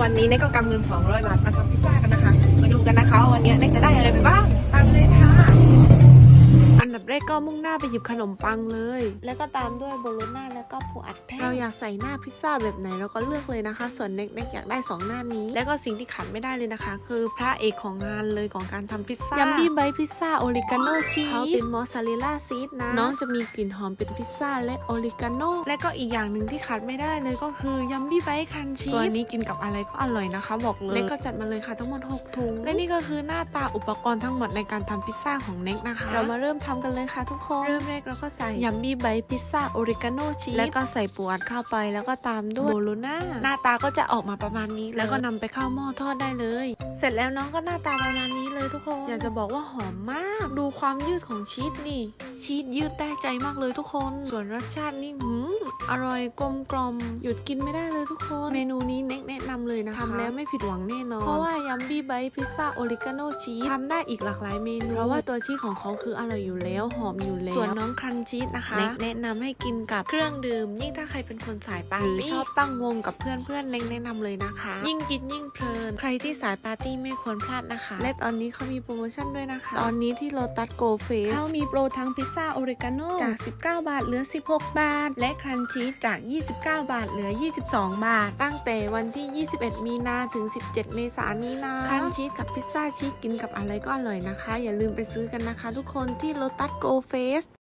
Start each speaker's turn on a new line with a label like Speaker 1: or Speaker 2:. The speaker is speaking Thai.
Speaker 1: วันนี้เน็กก็กำเงิน200 บาทมาทำพิซซ่ากันนะคะมาดูกันนะคะวันนี้เน็กจะได้อะไรไปบ้างตามเลยค่ะอันดับแรกก็มุ่งหน้าไปหยิบขนมปังเลยแล้วก็ตามด้วยโบโลน่าแล้วก็ปูอัดแห้งเราอยากใส่หน้าพิซซ่าแบบไหนเราก็เลือกเลยนะคะส่วนเน็กอยากได้2หน้านี้แล้วก็สิ่งที่ขาดไม่ได้เลยนะคะคือพระเอกของงานเลยของการทำพิซซ่ายัมบี้ไบต์พิซซ่าโอริกาโนชีสเขาเป็นมอสซาเรลล่าชีสนะน้องจะมีกลิ่นหอมเป็นพิซซ่าและโอริกาโนและก็อีกอย่างหนึ่งที่ขาดไม่ได้เลยก็คือยัมบี้ไบต์คันชีสตัวนี้กินกับอะไรก็อร่อยนะคะบอกเลยเน็กก็จัดมาเลยค่ะทั้งหมด6ถุงและนี่ก็คือหน้าตาอุปกรณ์ทั้งหมดในการทำพิซซ่าของเน็กนะคะเรามาเริ่มทำกันเลยค่ะทุกคนเริ่มแรกเราก็ใส่ยัมมี่ไบต์พิซซ่าโอริกาโนชีสแล้วก็ใส่ปูอัดเข้าไปแล้วก็ตามด้วยโบโลน่าหน้าตาก็จะออกมาประมาณนี้แล้วก็นำไปเข้าหม้อทอดได้เลยเสร็จแล้วน้องก็หน้าตาประมาณนี้เลยทุกคนอยากจะบอกว่าหอมมากดูความยืดของชีสนี่ชีสยืดได้ใจมากเลยทุกคนส่วนรสชาตินี่อร่อยกลมกล่อมหยุดกินไม่ได้เลยทุกคนเมนูนี้เน็กแนะนำเลยนะคะทำแล้วไม่ผิดหวังแน่นอนเพราะว่ายัมมี่ไบต์พิซซ่าโอริกาโนชีสทำได้อีกหลากหลายเมนูเพราะว่าตัวชีสของเขาคืออร่อยอยู่แล้วหอมอยู่แล้วส่วนน้องครันชีสนะคะแนะนำให้กินกับเครื่องดื่มยิ่งถ้าใครเป็นคนสายปาร์ตี้ชอบตั้งวงกับเพื่อนแนะนำเลยนะคะยิ่งกินยิ่งเพลินใครที่สายปาร์ตี้ไม่ควรพลาดนะคะและตอนนี้เขามีโปรโมชั่นด้วยนะคะตอนนี้ที่โลตัสโกเฟสเขามีโปรทั้งพิซซ่าโอริกาโนจาก19 บาทเหลือ16 บาทและครันชีสจาก29 บาทเหลือ22 บาทตั้งแต่วันที่21 มีนาถึง17 เมษายนนี้นะครันชีสกับพิซซ่าชีสกินกับอะไรก็อร่อยนะคะอย่าลืมไปซื้อกันนะคะทุกคนที่โลตัสโกเฟส